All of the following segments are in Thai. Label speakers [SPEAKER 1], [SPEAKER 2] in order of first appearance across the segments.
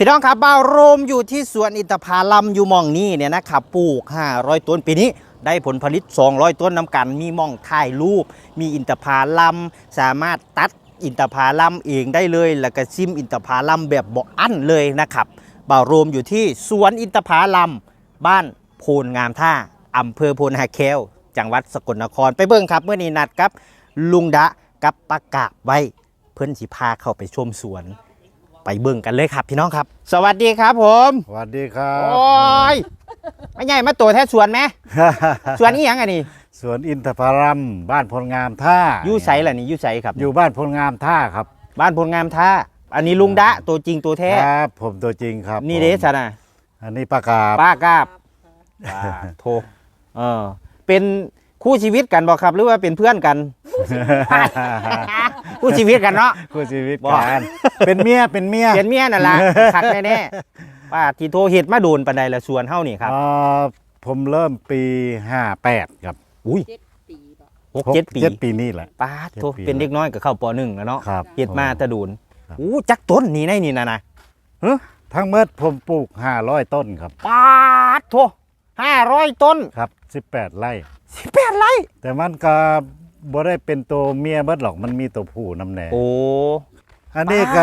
[SPEAKER 1] พี่น้องครับบ้านโรมอยู่ที่สวนอินทผลัมอยู่หม่องนี้เนี่ยนะครับปลูก500ต้นปีนี้ได้ผลผลิต200ต้นน้ำกันมีหม่องถ่ายรูปมีอินทผลัมสามารถตัดอินทผลัมเองได้เลยแล้วก็ชิมอินทผลัมแบบบ่อั้นเลยนะครับบ้านโรมอยู่ที่สวนอินทผลัมบ้านโพนงามท่าอำเภอโพนหาแควจังหวัดสกลนครไปเบิ่งครับเมื่อนี้นัดกับลุงดะกับปากาบไว้เพิ่นสิพาเข้าไปชมสวนไปเบิ่งกันเลยครับพี่น้องครับสวัสดีครับผม
[SPEAKER 2] สวัสดีครับ
[SPEAKER 1] โอ้ยไม่ใหญ่มาตัวแท้สวนไหม สวนนี้ยังไงนี่
[SPEAKER 2] สวนอินทผลัมบ้านพลงามท่า
[SPEAKER 1] ยู่ไสล่ะนี่ยู่ไสครับ
[SPEAKER 2] อยู่บ้านพลงามท่าครับ
[SPEAKER 1] บ้านพลงามท่าอันนี้ลุงดะตัวจริงตัวแท้
[SPEAKER 2] ครับผมตัวจริงครับ
[SPEAKER 1] นี่เด้ซะนะ
[SPEAKER 2] อันนี้ปากาบ
[SPEAKER 1] ป้ากาบโทเป็นคู่ชีวิตกันบอกครับหรือว่าเป็นเพื่อนกัน คู่ชีวิตกันเนาะ
[SPEAKER 2] คู่ชีวิตกันเป็นเมีย
[SPEAKER 1] เป็นเมียนั่นล่ะคักแน่ๆป้าที่โทรเฮ็ดมาโดนปานใดละสวนเฮานี่ครับ
[SPEAKER 2] ผมเริ่มปี58ครับ
[SPEAKER 1] อุ้ย6-7 ปี
[SPEAKER 2] นี่แหละ
[SPEAKER 1] ป้าโทรเป็นเด็กน้อยก็เข้าป .1 แล้วเนาะเฮ็ดมาแต่โดนจักต้นนี่ในนี่นะ
[SPEAKER 2] ทั้งหมดผมปลูก500ต้นครับ
[SPEAKER 1] ป้าโทร500ต้น
[SPEAKER 2] ครับ18ไร่
[SPEAKER 1] 18ไร่
[SPEAKER 2] แต่มันก็บ่ได้เป็นตัวเมียเบิดหรอกมันมีตัวผู้นำแหน่
[SPEAKER 1] โอ้
[SPEAKER 2] อันนี้ก็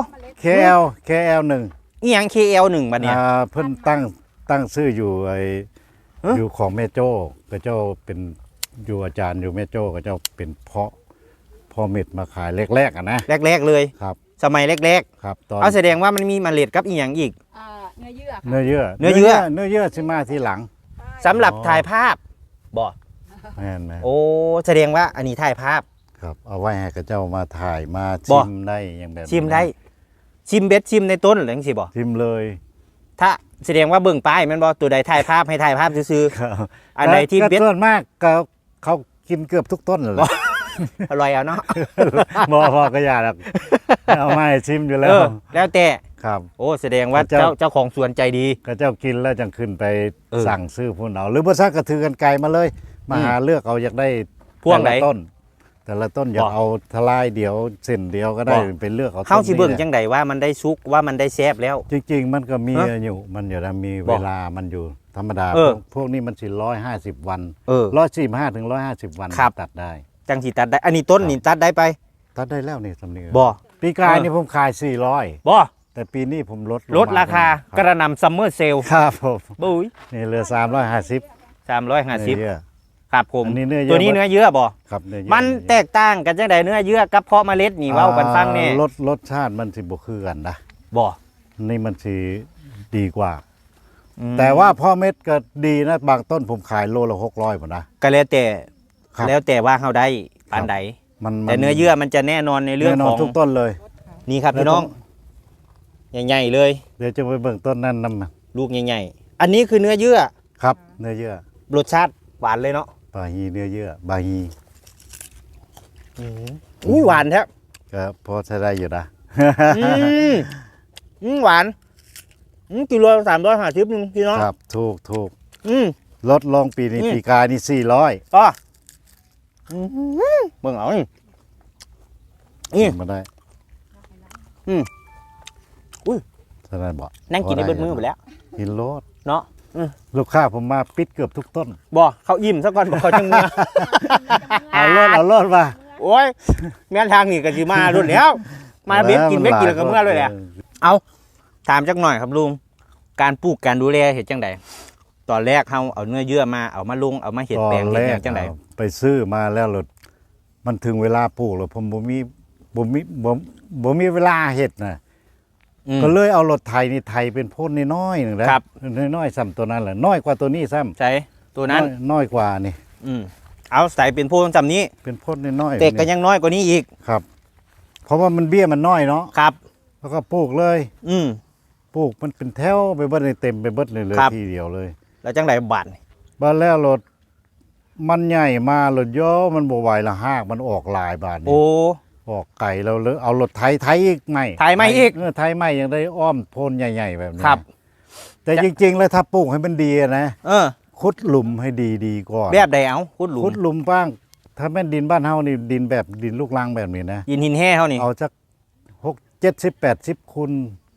[SPEAKER 2] KL1
[SPEAKER 1] อีหยัง KL1 บัดเนี่ย
[SPEAKER 2] เพิ่นตั้งชื่ออยู่อยู่ของแม่โจ้ก็เจ้าเป็นอยู่อาจารย์อยู่แม่โจ้ก็เจ้าเป็นพ่อเม็ดมาขายแรกๆนะ
[SPEAKER 1] แรกเลย
[SPEAKER 2] ครับ
[SPEAKER 1] สมัยแรก
[SPEAKER 2] ๆครับ
[SPEAKER 1] เอาแสดงว่ามันมีเมล็ดกับอีหยังอีก
[SPEAKER 2] เนื้อเยื่อสิมาทีหลัง
[SPEAKER 1] สำหรับถ่ายภาพบ่
[SPEAKER 2] แม่น
[SPEAKER 1] โอ้แสดงว่าอันนี้ถ่ายภาพ
[SPEAKER 2] ครับเอาไว้ให้กับเจ้ามาถ่ายมาชิมได้อย่างแบบ
[SPEAKER 1] ชิมได้ชิมเบ็ดชิมในต้นหรือจังซี่บ่
[SPEAKER 2] ชิมเลย
[SPEAKER 1] ถ้าแสดงว่าเบิ่งป้ายมันบ่ตัวใดถ่ายภาพให้ถ่ายภาพซื่อ
[SPEAKER 2] ๆอันใดที่เบ็ดส่วนมากก็เขากินเกือบทุกต้นเลย
[SPEAKER 1] อร่อยเอาเนาะ
[SPEAKER 2] บ่พอก็อย่าหรอกเอามาให้ชิมอยู่แล้ว
[SPEAKER 1] แล้วแต่
[SPEAKER 2] ครับ
[SPEAKER 1] โอ้แสดงว่าเจ้าของสวนใจดี
[SPEAKER 2] ก็เจ้ากินแล้วจังขึ้นไปสั่งซื้อพุ่นเอาหรือบ่ซักก็ถือกันไกลมาเลยมาหาเลือกเอาอยากได้
[SPEAKER 1] พวงไหน
[SPEAKER 2] ต้นแต่ละต้นอยากเอาทลายเดียวเส้นเดียวก็ได้เป็นเลือกเอา
[SPEAKER 1] เข้าสิเบิ่งจังไดว่ามันได้สุกว่ามันได้แซ่บแล้ว
[SPEAKER 2] จริงๆมันก็มีอยู่มันอยู่แล้วมีเวลามันอยู่ธรรมดาพวกนี้มันสิ150วัน145ถึง150วันตัดได้
[SPEAKER 1] จังสิตัดได้อันนี้ต้นนี่ตัดได้ไป
[SPEAKER 2] ตัดได้แล้วนี่สำเนียง
[SPEAKER 1] บ่
[SPEAKER 2] ปีกายนี่ผมขาย400
[SPEAKER 1] บ่
[SPEAKER 2] แต่ปีนี้ผม
[SPEAKER 1] ลดราคากระนำซัมเมอร์เซล
[SPEAKER 2] ครับผม
[SPEAKER 1] บุ้ย
[SPEAKER 2] นี่เหลือ350
[SPEAKER 1] ครับผมตัวนี้เนื้อเยื่อบ่
[SPEAKER 2] ครับเนื้อเยื่อ
[SPEAKER 1] มันแตกต่างกันจังไดเนื้อเยื่อกับเพาะเมล็ดนี่เว้ากันฟังแน่
[SPEAKER 2] รสชาติมันสิบ่คือกันนะ
[SPEAKER 1] บ่
[SPEAKER 2] นี่มันสิดีกว่าแต่ว่าเพาะเม็ดก็ดีนะบางต้นผมขายโลละ600บ่นะ
[SPEAKER 1] ก็แล้วแต่ว่าเฮาได้ปานใดแต่เนื้อเยื่อมันจะแน่นอนในเรื่องของ
[SPEAKER 2] ทุกต้นเลย
[SPEAKER 1] นี่ครับพี่น้องใหญ่ๆเลย
[SPEAKER 2] เดี๋ยวจะไปเบิ่งต้นนั้นนำ
[SPEAKER 1] ลูกใหญ่ๆอันนี้คือเนื้อเยื่อ
[SPEAKER 2] ครับเนื้อเยื่อ
[SPEAKER 1] รสชาติหวานเลยเนาะ
[SPEAKER 2] บาฮีเนื้อเยื่อบาฮี
[SPEAKER 1] อุ้ยหวานแท้
[SPEAKER 2] ก็พอใช้ได้อยู่นะ
[SPEAKER 1] หวานกิโล350นึงพี่น้อง
[SPEAKER 2] ครับถูกลดลงปีนี้ปีกายนี่400
[SPEAKER 1] ก็เบิ่งเอานี่
[SPEAKER 2] มาได้
[SPEAKER 1] อุ้ย
[SPEAKER 2] ใช่ได้บ่
[SPEAKER 1] นั่งกินได้เบิดมื้อหมดแล้ว
[SPEAKER 2] กินโลด
[SPEAKER 1] เนาะ
[SPEAKER 2] ลูกค้าผมมาปิดเกือบทุกต้น
[SPEAKER 1] บ่เขาอิ่มซะก่อนบ่เขาจังเมื่อ
[SPEAKER 2] เอารถมา
[SPEAKER 1] โอ้ยแม่นทางนี่ก็สิมารุ่นแล้วมาเบ็ดกินแล้วก็เมื่อเลยแหละเอาถามจักหน่อยครับลุงการปลูกการดูแลเฮ็ดจังไดตอนแรกเฮาเอาเนื้อเยื่อมาเอามาลงเอามาเฮ็ดแปลงเฮ็ดจังได
[SPEAKER 2] ไปซื้อมาแล้วมันถึงเวลาปลูกแล้วผมบ่มีเวลาเฮ็ดนะก็เลยเอารถไถนี่ไถเป็นพ่นน้อยๆนึงนะครับน้อยๆซ้ำตัวนั้นแหละน้อยกว่าตัวนี้ซ้ำ
[SPEAKER 1] ใช่ตัวนั้น
[SPEAKER 2] น้อยกว่านี่
[SPEAKER 1] เอาใส่เป็นพ่นซ้ำนี้
[SPEAKER 2] เป็นพ่นน้อย
[SPEAKER 1] ๆแต่ก็ยังน้อยกว่านี้อีก
[SPEAKER 2] ครับเพราะว่ามันเบี้ยมันน้อยเนาะ
[SPEAKER 1] ครับ
[SPEAKER 2] แล้วก็ปลูกเลยปลูกมันเป็นแถวไปเบิดเต็มไปเบิดเลยทีเดียวเลย
[SPEAKER 1] แล้วจังไดบาด
[SPEAKER 2] แล้วรถมันใหญ่มารถย่อมันบ่ไหวละหากมันออกหลายบาท
[SPEAKER 1] โอ้
[SPEAKER 2] ออกไก่เราเลยเอารถไถอีกไม่
[SPEAKER 1] ไถไม่อีก
[SPEAKER 2] ไถไม่ยังได้อ้อมโพนใหญ่ๆแบบนี้ครับแต่จริงๆแล้วถ้าปลูกให้มันดีนะขุดหลุมให้ดีก่อน
[SPEAKER 1] แบบใดเอาขุด
[SPEAKER 2] หลุมบ้างถ้าแม่นดินบ้านเฮานี่ดินแบบดินลูกรังแบบนี้นะ
[SPEAKER 1] ดินหินแห่เฮานี่
[SPEAKER 2] เอาสัก60 70 80คูณ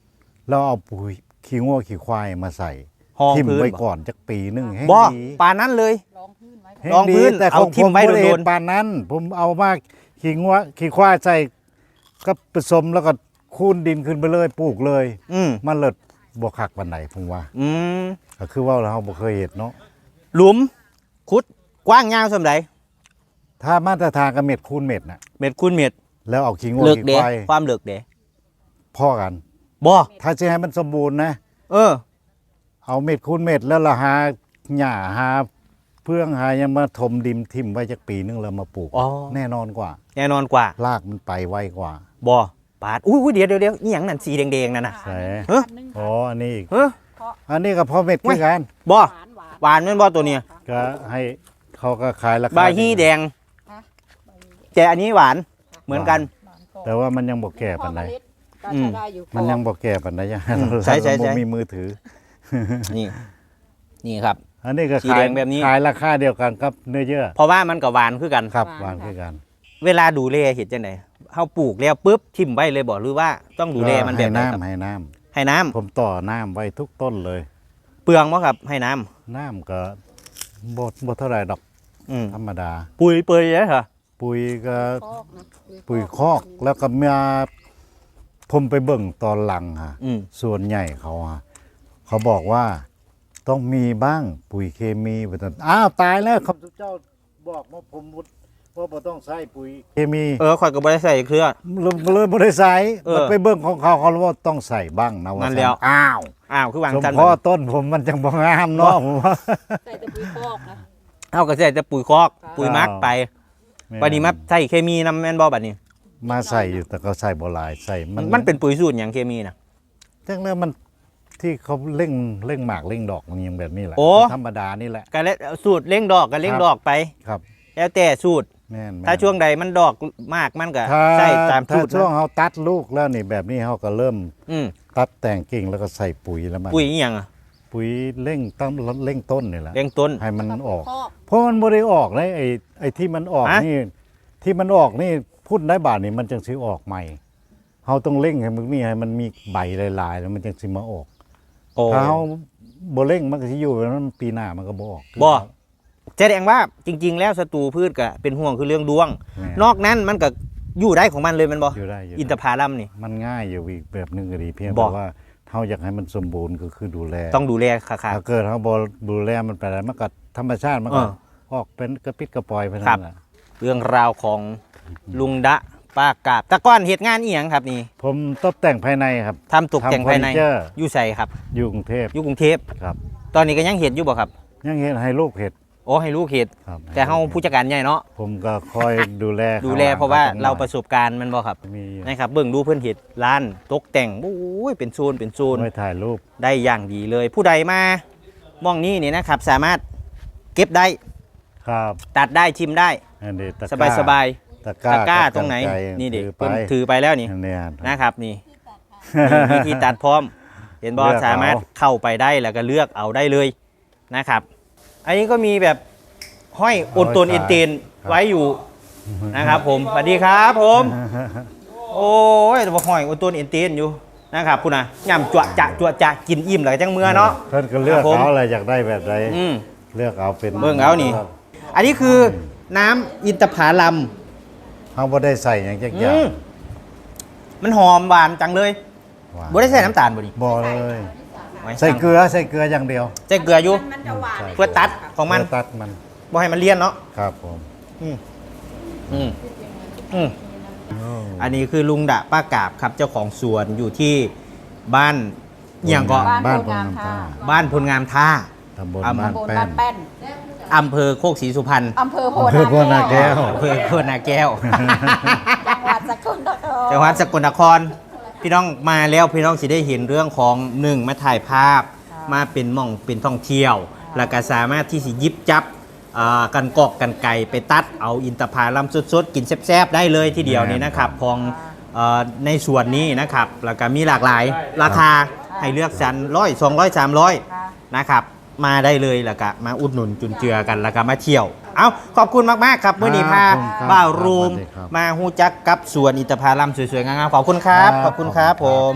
[SPEAKER 2] แล้วเอาปุ๋ยขี้งัวขี้ควายมาใส่
[SPEAKER 1] ห้อง
[SPEAKER 2] ทิ่ม
[SPEAKER 1] พื้น
[SPEAKER 2] ไว้ก่อนจักปีหนึงให้
[SPEAKER 1] บ่
[SPEAKER 2] ดี
[SPEAKER 1] ปานนั้นเลย
[SPEAKER 3] รองพื้นไว้
[SPEAKER 2] ให้
[SPEAKER 1] รองพื้น
[SPEAKER 2] ดีแต่
[SPEAKER 1] เอา
[SPEAKER 2] ของ
[SPEAKER 1] ทิ่มไว้
[SPEAKER 2] ผบ่ด้
[SPEAKER 1] โดนๆ
[SPEAKER 2] เฮ็ปานนั้น ผมเอามาขี้งัวขี้ควายใส่ก็ผสมแล้วก็คูนดินขึ้นไปเลยปลูกเลย
[SPEAKER 1] อืม
[SPEAKER 2] มันเลิศบ่คักปานใดผมว่า
[SPEAKER 1] อืม
[SPEAKER 2] ก็คือว่าเราบ่เคยเฮ็ดเนาะ
[SPEAKER 1] หลุมขุดกว้างยาวส่ำใด
[SPEAKER 2] ถ้ามาตรฐานก็เม็ดคูณเม็ดน่ะ
[SPEAKER 1] เม็ดคูณเม็ด
[SPEAKER 2] แล้วเอาขี้งัว
[SPEAKER 1] เลิก
[SPEAKER 2] ขี้
[SPEAKER 1] เด้
[SPEAKER 2] ควาย
[SPEAKER 1] ความเลิกเด้
[SPEAKER 2] พ่อกัน
[SPEAKER 1] บ่
[SPEAKER 2] ถ้าจะให้มันสมบูรณ์นะ
[SPEAKER 1] เออ
[SPEAKER 2] เอาเม็ดคูณเม็ดแล้วเราหาหญ้าหาเพื่องหายังมาถมดินทิ่มไว้จักปีนึงแล้วมาปลูก
[SPEAKER 1] อ๋อ
[SPEAKER 2] แน่นอนกว่า
[SPEAKER 1] แน่นอนกว่า
[SPEAKER 2] รากมันไปไวกว่า
[SPEAKER 1] บ่ปาดอุ้ยเดี๋ยวอีหยังนั่นสีแดงๆนั่นน่ะ
[SPEAKER 2] ใช่
[SPEAKER 1] เฮ้ย
[SPEAKER 2] อ๋ออันนี้อีก
[SPEAKER 1] เฮ้ย
[SPEAKER 2] อันนี้ก็พอเม็ดคือกัน
[SPEAKER 1] บ่
[SPEAKER 3] หวาน
[SPEAKER 1] หวานแม่นบ่ตัวเนี้ย
[SPEAKER 2] ก็ให้เขาก็ขายราคา
[SPEAKER 1] บาฮีแดง แต่อันนี้หวานเหมือนกัน
[SPEAKER 2] แต่ว่ามันยังบ่แก่ปานใด
[SPEAKER 3] ก็ใช้ได้อยู่
[SPEAKER 2] มันยังบ่แก่ปานใดยัง
[SPEAKER 1] ใช่
[SPEAKER 2] บ่มีมือถือ
[SPEAKER 1] นี่นี่ครับ
[SPEAKER 2] อันนี้ก็
[SPEAKER 1] สี
[SPEAKER 2] ขา
[SPEAKER 1] แด
[SPEAKER 2] ย
[SPEAKER 1] งแบบนี้
[SPEAKER 2] ขายราคาเดียวกันกับเนื้อเยื่อ
[SPEAKER 1] เพราะว่ามันก็หวานคือกัน
[SPEAKER 2] ครับหวานคือกัน
[SPEAKER 1] เวลาดูแลเห็ดจังไดเฮาปลูกแล้วปุ๊บทิ่มไว้เลยบ่หรือว่าต้องดูแลมันแบบไหนครับ
[SPEAKER 2] ให้น้ำ
[SPEAKER 1] ให้น้ำ
[SPEAKER 2] ผมต่อน้ำไว้ทุกต้นเลย
[SPEAKER 1] เปลืองบ่ครับให้น้ำ
[SPEAKER 2] น้ำก็บ่เท่าไหร่ดอก
[SPEAKER 1] อืม
[SPEAKER 2] ธรรมดา
[SPEAKER 1] ปุ๋ยเปื่อยเลยเหรอ
[SPEAKER 2] ปุ๋ยก็
[SPEAKER 3] คอกนะ
[SPEAKER 2] ปุ๋ยคอกแล้วก็มาผมไปเบิ่งตอนหลังฮะ
[SPEAKER 1] อืม
[SPEAKER 2] ส่วนใหญ่เขาฮะเขาบอกว่าต้องมีบ้างปุ๋ยเคมีไปตอนอ้าวตายแล้วคำเจ้าบอกว่าผมว่าบ่ต้องใช้ปุ๋ยเคมี
[SPEAKER 1] ข่อยก็บ่ได้ใส่เครือ
[SPEAKER 2] เลยบ่ได้ใส่
[SPEAKER 1] เออ
[SPEAKER 2] มันไปเบิ่งของเขาเขาว่าต้องใส่บ้างนะว่า
[SPEAKER 1] นั่นแล้ว
[SPEAKER 2] อ้าว
[SPEAKER 1] อ้าวคือวาง
[SPEAKER 2] สม
[SPEAKER 1] กัน
[SPEAKER 2] พอต้นผมมันจังบ่งามเนาะผมว่า
[SPEAKER 3] ใส่แต่ปุ๋ยคอกนะ
[SPEAKER 1] เฮาก็ใส่แต่ปุ๋ยคอก
[SPEAKER 3] ค่ะ
[SPEAKER 1] ปุ๋ยหมักไปบัดนี้มาใส่เคมีนำแม่นบ่บัดนี้
[SPEAKER 2] มาใส่อยู่แต่ก็ใส่บ่หลายใส่
[SPEAKER 1] มันเป็นปุ๋ยสูตรหยังเคมีน่ะ
[SPEAKER 2] จังแล้วมันที่เขาเร่งหมากเร่งดอกมันยังแบบนี้แหละ
[SPEAKER 1] โอ้
[SPEAKER 2] ธรรมดานี่แหละ
[SPEAKER 1] ก็แล้วสูตรเร่งดอกก็เร่งดอกไป
[SPEAKER 2] ครับ
[SPEAKER 1] แล้วแต่สูตร
[SPEAKER 2] แม่น
[SPEAKER 1] ถ้าช่วงใดมันดอกมากมันก็
[SPEAKER 2] ถ้า
[SPEAKER 1] ใส่ตาม
[SPEAKER 2] ถ้า
[SPEAKER 1] สูตร
[SPEAKER 2] ช่วง
[SPEAKER 1] นะ
[SPEAKER 2] เขาตัดลูกแล้วนี่แบบนี้เขาก็เริ่ม
[SPEAKER 1] อืม
[SPEAKER 2] ตัดแต่งกิ่งแล้วก็ใส่ปุ๋ยแล้วมัน
[SPEAKER 1] ปุ๋ยอีหยังอะ
[SPEAKER 2] ปุ๋ยเร่งตั้งเร่งต้นนี่แหละ
[SPEAKER 1] เร่งต้น
[SPEAKER 2] ให้มันออก
[SPEAKER 3] คอก
[SPEAKER 2] เพราะมันบ่ได้ออกเลยไอ้ที่มันออก
[SPEAKER 1] ฮะ
[SPEAKER 2] นี่ที่มันออกนี่พูดได้บาทนี่มันจังสิออกใหม่เขาต้องเร่งให้มันมีให้มันมีใบหลายๆแล้วมันจังสิมาออก
[SPEAKER 1] โอ้
[SPEAKER 2] ถ้าเขาบ่เร่งมันก็สิอยู่แบบนั้นปีหน้ามันก็บ่ออก
[SPEAKER 1] บ่ แสดงว่าจริง ๆ แล้วศัตรูพืชก็เป็นห่วงคือเรื่องดวง
[SPEAKER 2] แม่
[SPEAKER 1] นอกนั้นมันก็อยู่ได้ของมันเลยแมันบ่
[SPEAKER 2] อยู่ได้อยู่
[SPEAKER 1] อินทผลัมนี่
[SPEAKER 2] มันง่ายอยู่อีกแบบหนึงก็ดีเพียง
[SPEAKER 1] บ่
[SPEAKER 2] แต่ว่าเขาอยากให้มันสมบูรณ์ก็คือดูแล
[SPEAKER 1] ต้องดูแลค่ะ
[SPEAKER 2] ถ้าเกิดเขาบ่ดูแลมันไปแล้วมันก็ธรรมชาติมันก็
[SPEAKER 1] เออ
[SPEAKER 2] ออกเป็นกระปิดกระปอยไป
[SPEAKER 1] ครั
[SPEAKER 2] นั่
[SPEAKER 1] บ
[SPEAKER 2] นแหละ
[SPEAKER 1] เรื่องราวของลุงดะป้ากาบแตะก้อนเหตุงานอีหยังครับนี่
[SPEAKER 2] ผมตกแต่งภายในครับ
[SPEAKER 1] ทำตกแต่งภายใน
[SPEAKER 2] ทำเฟอร์นิเจอร์
[SPEAKER 1] อยู่ใส่ครับ
[SPEAKER 2] อยู่กรุงเทพ
[SPEAKER 1] อยู่กรุงเทพ
[SPEAKER 2] ครับ
[SPEAKER 1] ตอนนี้ก็ยังเห็นอยู่บ่ครับ
[SPEAKER 2] ยังเห็นให้ลูกเห็ด
[SPEAKER 1] โอ้ให้ลูกเห็ด
[SPEAKER 2] ครับ
[SPEAKER 1] แต่เฮาผู้จัดการใหญ่เนาะ
[SPEAKER 2] ผมก็คอยดูแล
[SPEAKER 1] ดูแลเพราะว่า
[SPEAKER 2] ขหลัง
[SPEAKER 1] เราประสบการณ์มันบ่ครับ
[SPEAKER 2] มีอยู่
[SPEAKER 1] นะครับเบิ่งดูเพิ่นเห็ดร้านตกแต่งโอ้ยเป็นโซนเป็นโซน
[SPEAKER 2] ไว้ถ่ายรูป
[SPEAKER 1] ได้อย่างดีเลย ผู้ใดมามองนี่นี่นะครับ สามารถเก็บได้
[SPEAKER 2] ครับ
[SPEAKER 1] ตัดได้ชิมได้
[SPEAKER 2] อันนี้ตะ
[SPEAKER 1] สบายสบาย
[SPEAKER 2] ตะ
[SPEAKER 1] ๆตะกร้า
[SPEAKER 2] กับ
[SPEAKER 1] ตรงไหน
[SPEAKER 2] กรรก
[SPEAKER 1] นี่เด็ก
[SPEAKER 2] ถือไป
[SPEAKER 1] ถือไปแล้วนี่
[SPEAKER 2] อันเนี้ย
[SPEAKER 1] นะครับนี่มีวิธีตัดพร้อม เห็นบอ
[SPEAKER 2] เลือกเอา
[SPEAKER 1] สามารถเข้าไปได้แล้วก็เลือกเอาได้เลยนะครับ อันนี้ก็มีแบบห้อยอดตนเอ็นเตนไว้อยู่นะครับ ผมสวัสดีครับผม โอ้ยแต่ว่าห้อยอดตนเอ็นเตนอยู่นะครับคุณนะย่ำจั่วจะกินอิ่มแล้วก็จังเมื่อเนาะ
[SPEAKER 2] เพิ่นก็เลือก
[SPEAKER 1] ครับผม
[SPEAKER 2] เอาอะไรอยากได้แบบใด
[SPEAKER 1] อืม
[SPEAKER 2] เลือกเอาเป็น
[SPEAKER 1] เบิ่งเอานี่ อันนี้คือน้ำอินทผลัม
[SPEAKER 2] เขาบ่ได้ใส่อย่างจักอย่าง
[SPEAKER 1] มันหอมหวานจังเลย
[SPEAKER 2] หวาน
[SPEAKER 1] บ่ได้ใส่น้ำตาลบ่ดิ
[SPEAKER 2] บ่เลย
[SPEAKER 1] ไว้
[SPEAKER 2] ใส่เกลืออย่างเดียว
[SPEAKER 1] ใส่เกลืออยู่
[SPEAKER 3] มันจะหวาน
[SPEAKER 1] เพื่อตัดของมัน
[SPEAKER 2] เพื่อตัดมัน
[SPEAKER 1] บ่ให้มันเลี่ยนเนาะ
[SPEAKER 2] ครับผม
[SPEAKER 1] อืมอืมอืมอันนี้คือลุงดะป้ากาบครับเจ้าของสวนอยู่ที่บ้านอหย่างก็
[SPEAKER 2] บ้านพลงามท่า
[SPEAKER 1] บ้านพลงามท่า
[SPEAKER 2] ตำบล
[SPEAKER 1] อำ
[SPEAKER 2] บ้าน
[SPEAKER 3] โบน
[SPEAKER 2] แป้
[SPEAKER 3] บ้าน นแป้น
[SPEAKER 1] อำเภอโคกศรีสุพรรณ
[SPEAKER 3] อำเภอโพ
[SPEAKER 2] อำเภอโพนาแก้ว
[SPEAKER 1] อำเภอโคนาแก้ว
[SPEAKER 3] จังหวัดสกลนคร
[SPEAKER 1] จังหวัดสกลนคร พี่น้องมาแล้วพี่น้องสิได้เห็นเรื่องของหนึ่งมาถ่ายภาพ มาเป็นหม่องเป็นท่องเที่ยว แล้วก็สามารถที่สิหยิบจับกันกอกกันไก่ไปตัดเอาอินทผลัมสดๆกินแซ่บๆได้เลยทีเดียวนี้นะครับของในส่วนนี้นะครับแล้วก็มีหลากหลายราคาให้เลือกสรร100 200 300นะครับมาได้เลยแล้วก็มาอุดหนุนจุนเจือกันแล้วก็มาเที่ยว เอาขอบคุณมากๆครับเมื่อนี้พา
[SPEAKER 2] ขอบคุณครับ
[SPEAKER 1] บ่าวรูม
[SPEAKER 2] สวัสดีครับ
[SPEAKER 1] มาฮู้จักกับสวนอินทผลัมสวยๆงามๆขอบคุณครับขอบคุณครับผม
[SPEAKER 2] ขอบคุณครับ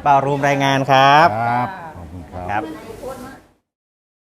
[SPEAKER 1] บ่าวรูมรายงานครับ
[SPEAKER 2] ครับขอบคุณครับ
[SPEAKER 1] ครับ
[SPEAKER 3] โคตรมาก